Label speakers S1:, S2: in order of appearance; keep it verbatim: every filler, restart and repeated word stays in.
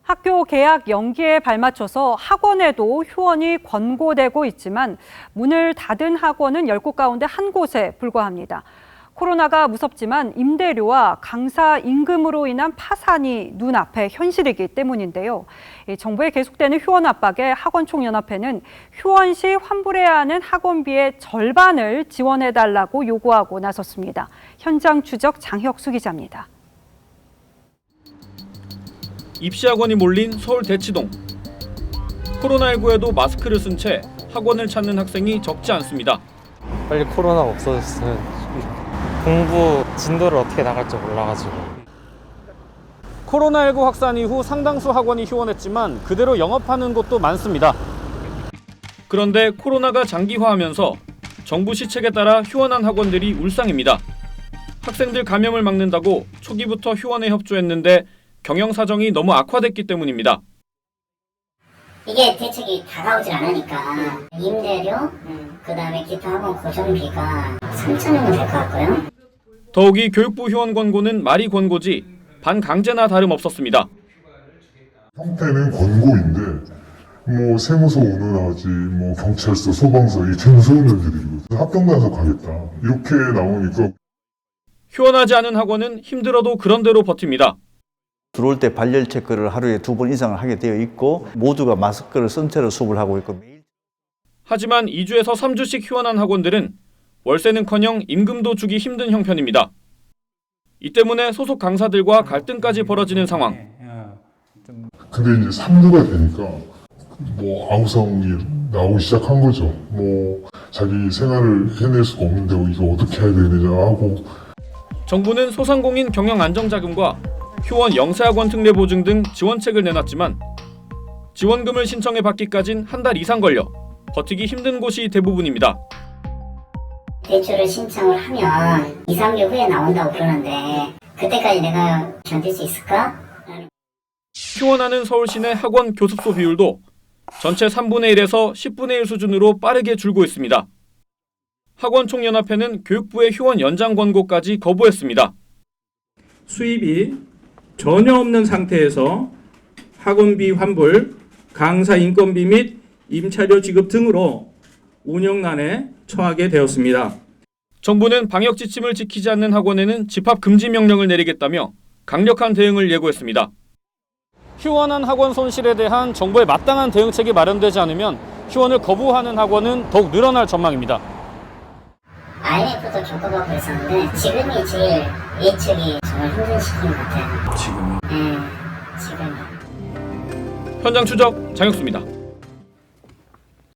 S1: 학교 개학 연기에 발맞춰서 학원에도 휴원이 권고되고 있지만 문을 닫은 학원은 열 곳 가운데 한 곳에 불과합니다. 코로나가 무섭지만 임대료와 강사 임금으로 인한 파산이 눈앞에 현실이기 때문인데요. 정부의 계속되는 휴원 압박에 학원총연합회는 휴원 시 환불해야 하는 학원비의 절반을 지원해달라고 요구하고 나섰습니다. 현장 추적 장혁수 기자입니다.
S2: 입시학원이 몰린 서울 대치동. 코로나십구에도 마스크를 쓴 채 학원을 찾는 학생이 적지 않습니다.
S3: 빨리 코로나가 없어졌으면 좋겠다. 공부 진도를 어떻게 나갈지 몰라가지고.
S2: 코로나십구 확산 이후 상당수 학원이 휴원했지만 그대로 영업하는 곳도 많습니다. 그런데 코로나가 장기화하면서 정부 시책에 따라 휴원한 학원들이 울상입니다. 학생들 감염을 막는다고 초기부터 휴원에 협조했는데 경영 사정이 너무 악화됐기 때문입니다.
S4: 이게 대책이 다가오질 않으니까 임대료, 음, 그다음에 기타 학원 고정비가 삼천여 원 될 것 같고요.
S2: 더욱이 교육부 휴원 권고는 말이 권고지 반강제나 다름없었습니다.
S5: 형태는 권고인데 뭐 세무서 운운하지, 뭐 경찰서, 소방서 이 되게 무서운 년들이거든요. 합격 단속하겠다 이렇게 나오니까.
S2: 휴원하지 않은 학원은 힘들어도 그런대로 버팁니다.
S6: 들어올 때 발열 체크를 하루에 두 번 이상을 하게 되어 있고 모두가 마스크를 쓴 채로 수업을 하고 있고.
S2: 하지만 이 주에서 삼 주씩 휴원한 학원들은 월세는커녕 임금도 주기 힘든 형편입니다. 이 때문에 소속 강사들과 갈등까지 벌어지는 상황.
S5: 근데 이제 삼 주가 되니까 뭐 아우성이 나오기 시작한 거죠. 뭐 자기 생활을 해낼 수가 없는데 이거 어떻게 해야 되느냐 하고.
S2: 정부는 소상공인 경영 안정자금과 휴원 영세학원 특례 보증 등 지원책을 내놨지만 지원금을 신청해 받기까진 한 달 이상 걸려 버티기 힘든 곳이 대부분입니다.
S4: 대출을 신청을 하면 이, 삼 개월 후에 나온다고 그러는데 그때까지 내가 견딜 수 있을까?
S2: 휴원하는 서울시내 학원 교습소 비율도 전체 삼분의 일에서 십분의 일 수준으로 빠르게 줄고 있습니다. 학원총연합회는 교육부의 휴원 연장 권고까지 거부했습니다.
S7: 수입이 전혀 없는 상태에서 학원비 환불, 강사 인건비 및 임차료 지급 등으로 운영난에 처하게 되었습니다.
S2: 정부는 방역 지침을 지키지 않는 학원에는 집합 금지 명령을 내리겠다며 강력한 대응을 예고했습니다. 휴원한 학원 손실에 대한 정부의 마땅한 대응책이 마련되지 않으면 휴원을 거부하는 학원은 더욱 늘어날 전망입니다.
S4: 아이엠에프도 겪어보고 있었는데 지금이 제일 예측이 정말 힘든 시기인 것 같아요. 지금요? 네, 지금.
S2: 현장 추적 장혁수입니다.